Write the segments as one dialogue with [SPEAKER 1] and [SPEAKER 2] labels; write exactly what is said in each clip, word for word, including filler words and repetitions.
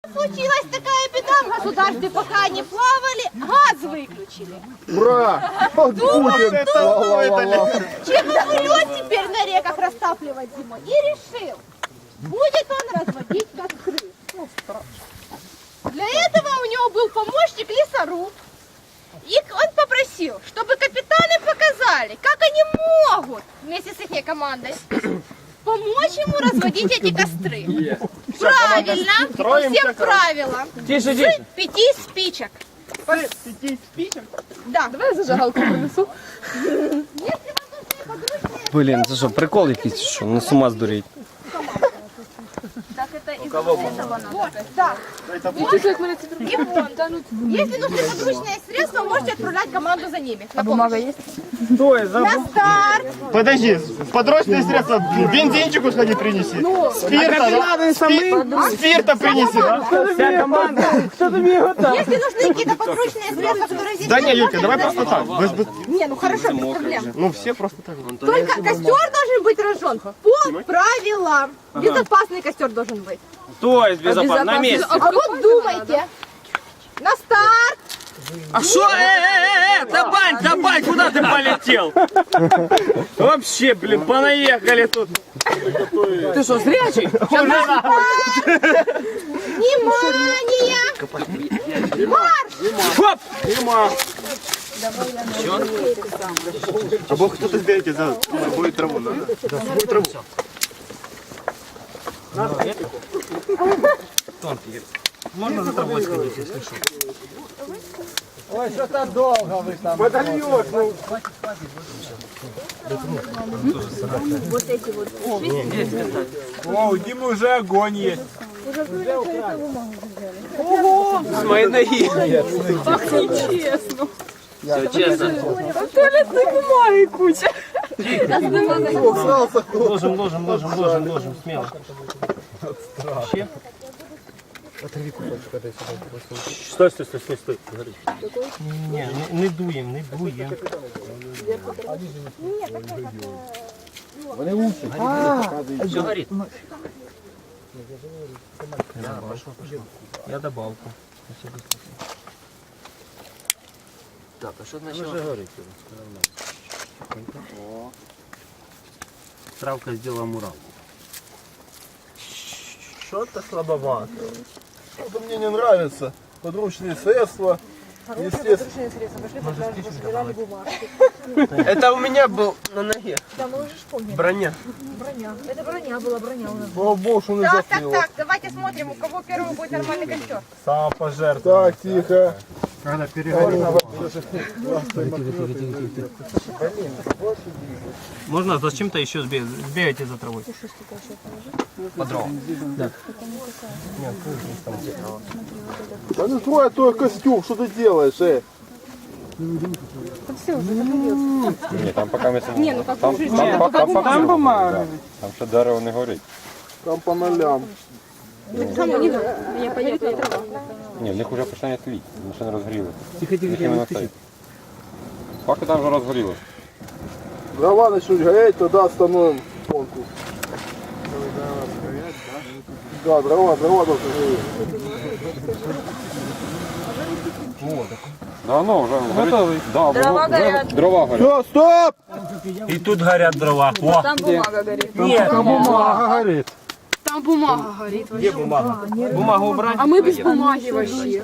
[SPEAKER 1] Случилась такая беда в государстве, пока они плавали, газ выключили.
[SPEAKER 2] Ура! Вот Путин!
[SPEAKER 1] Чем он будет теперь на реках растапливать зимой? И решил, будет он разводить костры. Для этого у него был помощник лесоруб. И он попросил, чтобы капитаны показали, как они могут вместе с их командой помочь ему разводить эти костры. Правильно, по всем правилам.
[SPEAKER 3] Тише, тише.
[SPEAKER 1] С пяти спичек.
[SPEAKER 2] Пяти спичек?
[SPEAKER 1] Да.
[SPEAKER 4] Давай я зажигалку принесу.
[SPEAKER 3] Блін, це що, прикол якийсь, що? Ну з ума здуріть.
[SPEAKER 1] Так это из этого надо. Вот, да.
[SPEAKER 4] Чуть-чуть, як мене ці
[SPEAKER 1] И вон. Если нужны подручные средства, можете отправлять команду за ними.
[SPEAKER 4] А бумага есть?
[SPEAKER 2] Стой, забыл.
[SPEAKER 1] На старт.
[SPEAKER 2] Подожди, подручные средства, бензинчику сходи принеси. Спирта, да? Спи- Спирта принеси, да? Вся команда.
[SPEAKER 1] Если нужны какие-то подручные средства, которые здесь
[SPEAKER 2] Да не,
[SPEAKER 1] нет,
[SPEAKER 2] Юлька, давай
[SPEAKER 1] можете
[SPEAKER 2] просто так. Без- без-
[SPEAKER 1] Не, ну хорошо, без проблем.
[SPEAKER 2] Ну все просто так.
[SPEAKER 1] Только костер должен быть разжен по правилам. Безопасный костер должен быть.
[SPEAKER 3] То есть безопасно, на месте.
[SPEAKER 1] А вот думайте. На старт.
[SPEAKER 3] А что? Э-э-э, Табань, Табань, куда ты полетел? Вообще, блин, понаехали тут. Ты что, зрячий?
[SPEAKER 1] Внимание! Марш!
[SPEAKER 3] Хоп!
[SPEAKER 2] А бог кто-то сберете за будет траву, надо? Да, будет траву.
[SPEAKER 3] Можно за тобой сходить, если что.
[SPEAKER 2] Ой, что-то долго вы там. Подольешь, ну. О, у Димы уже огонь есть.
[SPEAKER 3] С моей ноги.
[SPEAKER 4] Так нечестно.
[SPEAKER 3] Все честно.
[SPEAKER 4] Туалетной бумаги куча.
[SPEAKER 3] Ложим, ложим, ложим, ложим, ложим, смело. Вообще. Стой, стой, стой, стой, стой. Не, не, не дуем, не дуем. Все горит. Да, пошло, пошло. Я добавку. Так, а что значит? Уже горит. Травка сделала мурал.
[SPEAKER 2] Что-то слабовато. Что-то мне не нравится. Подручные средства. Естественно.
[SPEAKER 3] Это у меня был на ноге.
[SPEAKER 4] Да, мы уже вспомнили.
[SPEAKER 3] Броня.
[SPEAKER 4] Броня. Это броня была, броня у нас.
[SPEAKER 2] Слава богу, что не
[SPEAKER 1] Так, так,
[SPEAKER 2] заснул.
[SPEAKER 1] так, давайте смотрим, у кого первый будет нормальный костер.
[SPEAKER 2] Самопожертвование. Так, тихо. Когда переговорим.
[SPEAKER 3] Можно зачем-то еще сбегать, сбегайте за травой. По дровам. Да.
[SPEAKER 2] Да ну твой твой костюм, что ты делаешь, э?
[SPEAKER 5] Ні, там поки ми
[SPEAKER 1] Не, ну как
[SPEAKER 5] там,
[SPEAKER 1] в жизни.
[SPEAKER 5] там, там, там,
[SPEAKER 3] Там бумага.
[SPEAKER 5] там ще дерево не горить.
[SPEAKER 2] Там по нолям.
[SPEAKER 1] Самое не надо. Меня понятно, и трава.
[SPEAKER 5] Ні, в них вже починає тліти, вони ще не розгоріли. Тихо, тихо, тихо. Поки там вже розгорілося.
[SPEAKER 2] Дрова начнут гореть, тогда остановим гонку. Да, дрова, дрова должны гореть.
[SPEAKER 5] Да, ну, вже горить. Да,
[SPEAKER 4] Дрова
[SPEAKER 5] вже
[SPEAKER 4] горять.
[SPEAKER 5] Дрова горять.
[SPEAKER 2] Все, стоп!
[SPEAKER 3] И тут горят дрова. О!
[SPEAKER 4] Там бумага горит.
[SPEAKER 3] Нет,
[SPEAKER 2] Бумага горит.
[SPEAKER 4] Там бумага горит.
[SPEAKER 3] где бумага? Бумагу убрать?
[SPEAKER 4] А мы без бумаги вообще.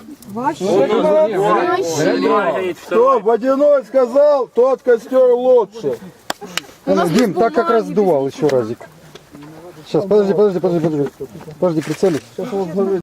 [SPEAKER 3] Бумага горит,
[SPEAKER 2] Кто водяной сказал, тот костер лучше.
[SPEAKER 6] Дим, так как раз сдувал еще разик. Сейчас, подожди, подожди, подожди, подожди. Подожди, прицелить.